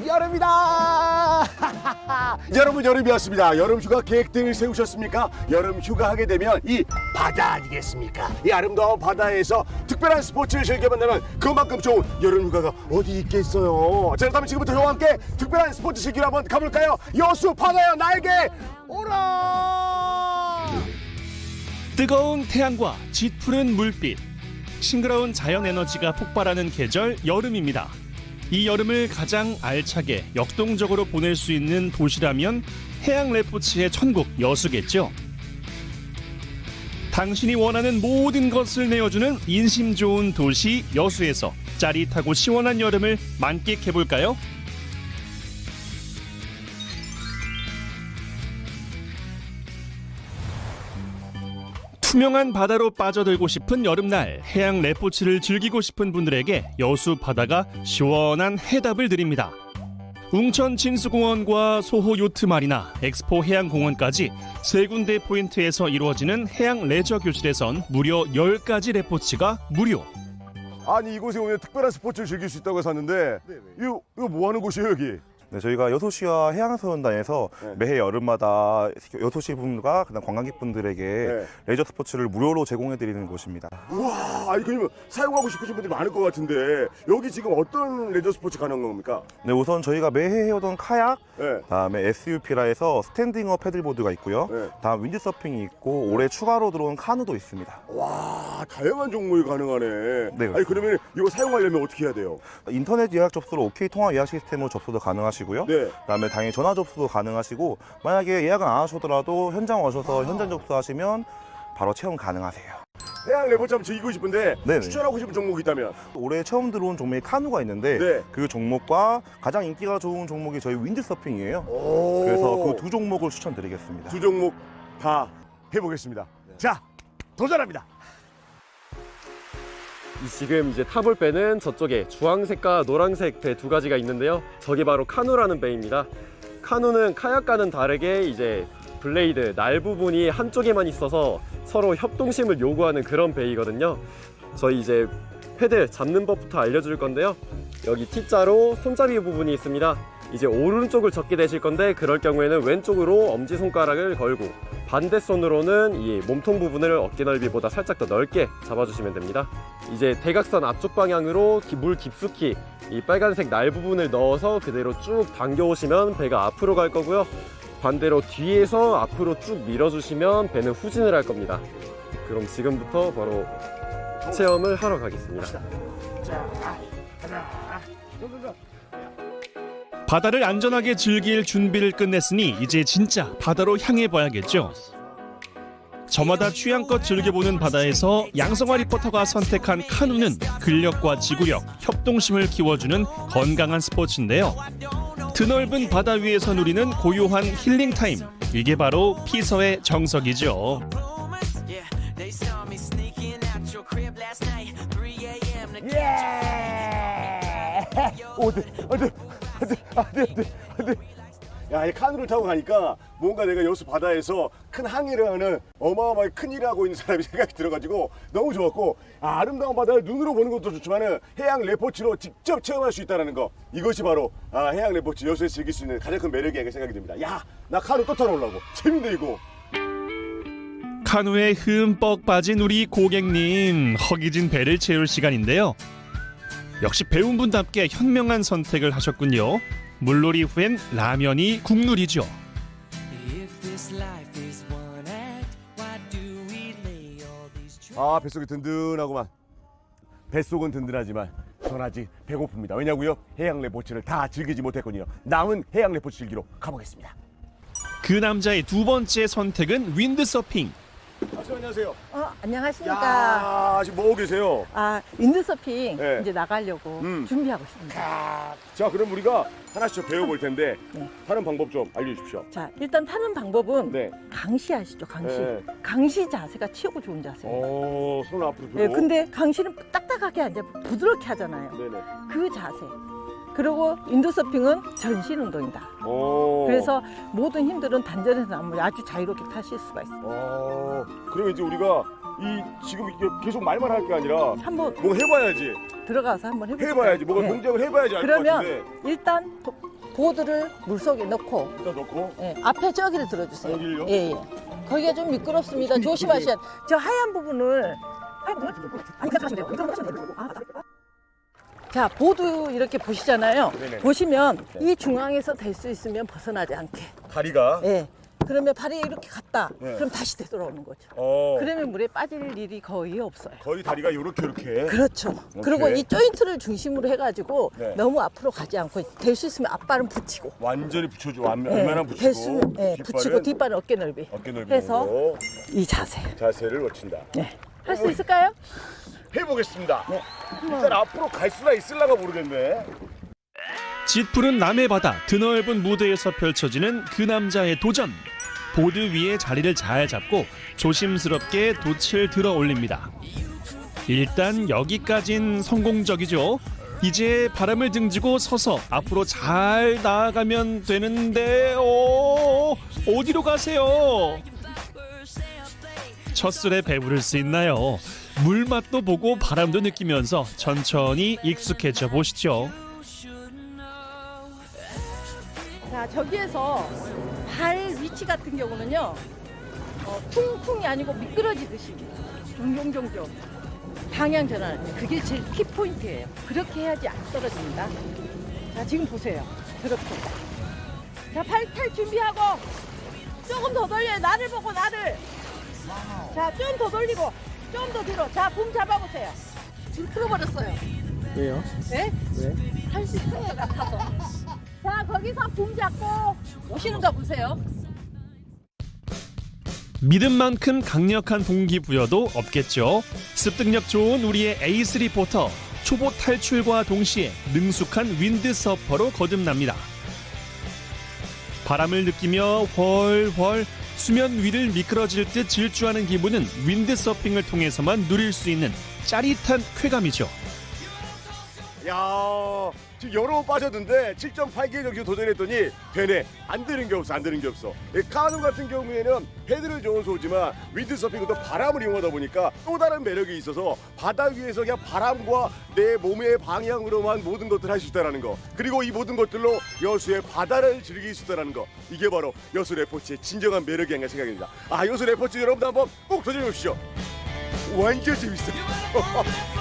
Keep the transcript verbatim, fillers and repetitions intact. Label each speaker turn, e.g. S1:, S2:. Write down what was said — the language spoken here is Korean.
S1: 여름이다. 여러분, 여름이었습니다. 여름 휴가 계획들 세우셨습니까? 여름 휴가 하게 되면 이 바다 아니겠습니까? 이 아름다운 바다에서 특별한 스포츠를 즐겨본다면 그만큼 좋은 여름 휴가가 어디 있겠어요. 자, 그렇다면 지금부터 저와 함께 특별한 스포츠 즐기러 한번 가볼까요? 여수 바다여 나에게 오라.
S2: 뜨거운 태양과 짙푸른 물빛, 싱그러운 자연 에너지가 폭발하는 계절 여름입니다. 이 여름을 가장 알차게 역동적으로 보낼 수 있는 도시라면 해양 레포츠의 천국 여수겠죠. 당신이 원하는 모든 것을 내어주는 인심 좋은 도시 여수에서 짜릿하고 시원한 여름을 만끽해볼까요? 투명한 바다로 빠져들고 싶은 여름날, 해양 레포츠를 즐기고 싶은 분들에게 여수 바다가 시원한 해답을 드립니다. 웅천 진수공원과 소호 요트 마리나, 엑스포 해양공원까지 세 군데 포인트에서 이루어지는 해양 레저 교실에선 무려 열 가지 레포츠가 무료.
S1: 아니, 이곳에 오면 특별한 스포츠를 즐길 수 있다고 해서 왔는데 이거, 이거 뭐 하는 곳이에요, 여기?
S3: 네, 저희가 여수시와 해양소년단에서
S1: 네.
S3: 매해 여름마다 여수시 분과 그다음 관광객분들에게
S1: 네.
S3: 레저 스포츠를 무료로 제공해드리는 곳입니다.
S1: 우와, 아니 그러면 사용하고 싶으신 분들이 많을 것 같은데 여기 지금 어떤 레저 스포츠 가능한 겁니까?
S3: 네, 우선 저희가 매해 해오던 카약,
S1: 네.
S3: 다음에 에스유피라 해서 스탠딩업 패들보드가 있고요.
S1: 네.
S3: 다음 윈드서핑이 있고 올해 추가로 들어온 카누도 있습니다.
S1: 와, 다양한 종목이 가능하네.
S3: 네,
S1: 아니 그러면 이거 사용하려면 어떻게 해야 돼요?
S3: 인터넷 예약 접수로 오케이 통화 예약 시스템으로 접수도 가능하시고요.
S1: 네.
S3: 그다음에 당연히 전화 접수도 가능하시고 만약에 예약을 안 하셔더라도 현장 오셔서 현장 접수하시면 바로 체험 가능하세요.
S1: 해양 레포츠 한번 즐기고 싶은데
S3: 네네.
S1: 추천하고 싶은 종목이 있다면?
S3: 올해 처음 들어온 종목이 카누가 있는데
S1: 네.
S3: 그 종목과 가장 인기가 좋은 종목이 저희 윈드서핑이에요.
S1: 오.
S3: 그래서 그 두 종목을 추천드리겠습니다.
S1: 두 종목 다 해보겠습니다. 네. 자, 도전합니다.
S4: 지금 이제 타볼 배는 저쪽에 주황색과 노란색 배 두 가지가 있는데요. 저게 바로 카누라는 배입니다. 카누는 카약과는 다르게 이제 블레이드, 날 부분이 한쪽에만 있어서 서로 협동심을 요구하는 그런 배이거든요. 저희 이제 패들 잡는 법부터 알려줄 건데요. 여기 T자로 손잡이 부분이 있습니다. 이제 오른쪽을 접게 되실 건데 그럴 경우에는 왼쪽으로 엄지손가락을 걸고 반대 손으로는 이 몸통 부분을 어깨 넓이보다 살짝 더 넓게 잡아주시면 됩니다. 이제 대각선 앞쪽 방향으로 물 깊숙이 이 빨간색 날 부분을 넣어서 그대로 쭉 당겨 오시면 배가 앞으로 갈 거고요. 반대로 뒤에서 앞으로 쭉 밀어주시면 배는 후진을 할 겁니다. 그럼 지금부터 바로 체험을 하러 가겠습니다.
S2: 바다를 안전하게 즐길 준비를 끝냈으니 이제 진짜 바다로 향해 봐야겠죠. 저마다 취향껏 즐겨보는 바다에서 양성화 리포터가 선택한 카누는 근력과 지구력, 협동심을 키워주는 건강한 스포츠인데요. 드넓은 바다 위에서 누리는 고요한 힐링 타임, 이게 바로 피서의 정석이죠.
S1: 오, 네, 안 돼, 안 돼, 안 돼, 안 돼, 안 돼. 야, 이 카누를 타고 가니까 뭔가 내가 여수 바다에서 큰 항해를 하는 어마어마하게 큰 일을 하고 있는 사람이 생각이 들어가지고 너무 좋았고, 아, 아름다운 바다를 눈으로 보는 것도 좋지만은 해양 레포츠로 직접 체험할 수 있다는 거, 이것이 바로 아, 해양 레포츠 여수에서 즐길 수 있는 가장 큰 매력이 아닐까 생각이 듭니다. 야, 나 카누 또 타러오려고. 재밌네 이거.
S2: 카누에 흠뻑 빠진 우리 고객님, 허기진 배를 채울 시간인데요. 역시 배운 분답게 현명한 선택을 하셨군요. 물놀이 후엔 라면이 국룰이죠.
S1: 아, 뱃속이 든든하구만. 뱃속은 든든하지만 전 아직 배고픕니다. 왜냐고요? 해양 레포츠를 다 즐기지 못했거든요. 남은 해양 레포츠 즐기러 가보겠습니다.
S2: 그 남자의 두 번째 선택은 윈드서핑.
S1: 아, 안녕하세요.
S5: 어, 안녕하십니까.
S1: 야, 지금 뭐하고 계세요?
S5: 아, 윈드서핑
S1: 네.
S5: 이제 나가려고
S1: 음.
S5: 준비하고 있습니다.
S1: 아, 자, 그럼 우리가 하나씩 좀 배워볼 텐데
S5: 네.
S1: 하는 방법 좀 알려주십시오.
S5: 자, 일단 타는 방법은
S1: 네.
S5: 강시 아시죠? 강시.
S1: 네.
S5: 강시 자세가 최고 좋은 자세예요.
S1: 어, 손을 앞으로 들고.
S5: 네, 근데 강시는 딱딱하게 앉아 부드럽게 하잖아요.
S1: 네네.
S5: 그 자세. 그리고 윈드서핑은 전신 운동이다.
S1: 오.
S5: 그래서 모든 힘들은 단전에서 나면 아주 자유롭게 타실 수가 있어요.
S1: 어, 그러면 이제 우리가 이 지금 이게 계속 말만 할 게 아니라
S5: 한번
S1: 뭐 해봐야지.
S5: 들어가서 한번 해볼까요?
S1: 해봐야지. 뭐가
S5: 네.
S1: 동작을 해봐야지 알 것
S5: 그러면
S1: 같은데.
S5: 일단 도- 보드를 물속에 넣고
S1: 일단 넣고.
S5: 예, 앞에 저기를 들어주세요.
S1: 여기를요?
S5: 예, 예. 거기가 좀 미끄럽습니다. 조심하셔야 돼요. 저 하얀 부분을 자, 보드 이렇게 보시잖아요.
S1: 네네.
S5: 보시면 이 중앙에서 될 수 있으면 벗어나지 않게.
S1: 다리가.
S5: 예. 그러면 발이 이렇게 갔다.
S1: 네.
S5: 그럼 다시 되돌아오는 거죠.
S1: 어.
S5: 그러면 물에 빠질 일이 거의 없어요.
S1: 거의 다리가 요렇게 요렇게.
S5: 그렇죠. 그리고 이 조인트를 중심으로 해가지고
S1: 네.
S5: 너무 앞으로 가지 않고 될 수 있으면 앞발은 붙이고.
S1: 완전히 붙여줘. 앞,
S5: 예,
S1: 앞면은 붙이고.
S5: 될 수, 예,
S1: 뒷발은
S5: 붙이고 뒷발은 어깨 넓이.
S1: 어깨 넓이
S5: 해서
S1: 정도.
S5: 이 자세.
S1: 자세를 놓친다.
S5: 네. 할 수 있을까요?
S1: 해보겠습니다.
S5: 네.
S1: 일단 앞으로 갈 수나 있을라가 모르겠네.
S2: 짙푸른 남해 바다 드넓은 무대에서 펼쳐지는 그 남자의 도전. 보드 위에 자리를 잘 잡고 조심스럽게 돛을 들어 올립니다. 일단 여기까진 성공적이죠. 이제 바람을 등지고 서서 앞으로 잘 나아가면 되는데 오, 어디로 가세요? 첫 술에 배부를 수 있나요? 물맛도 보고 바람도 느끼면서 천천히 익숙해져 보시죠.
S5: 자, 저기에서 발 위치 같은 경우는요, 어, 퉁퉁이 아니고 미끄러지듯이 종종종종 방향 전환. 그게 제일 키포인트예요. 그렇게 해야지 안 떨어집니다. 자, 지금 보세요. 그렇게. 자, 팔 탈 준비하고 조금 더 돌려요. 나를 보고 나를. 자, 좀 더 돌리고 좀 더 뒤로. 자, 붐 잡아보세요. 줄 풀어버렸어요.
S4: 왜요?
S5: 네?
S4: 왜?
S5: 할 수 있을 것 같아서. 자, 거기서 붐 잡고 오시는 거 보세요.
S2: 믿음 만큼 강력한 동기부여도 없겠죠. 습득력 좋은 우리의 에이스 리포터. 초보 탈출과 동시에 능숙한 윈드서퍼로 거듭납니다. 바람을 느끼며 훨훨 수면 위를 미끄러질 듯 질주하는 기분은 윈드서핑을 통해서만 누릴 수 있는 짜릿한 쾌감이죠.
S1: 야, 지금 여러 번 빠졌는데 칠 점 팔 개 정도 도전했더니 되네. 안 되는 게 없어. 안 되는 게 없어. 이 카누 같은 경우에는 헤드를 좋은 소지만 윈드서핑은 또 바람을 이용하다 보니까 또 다른 매력이 있어서 바다 위에서 그냥 바람과 내 몸의 방향으로만 모든 것들을 할 수 있다는 거. 그리고 이 모든 것들로 여수의 바다를 즐길 수 있다는 거. 이게 바로 여수 레포츠의 진정한 매력이 아닌가 생각합니다. 아, 여수 레포츠 여러분도 한번 꼭 도전해 보시죠. 완전 재밌어.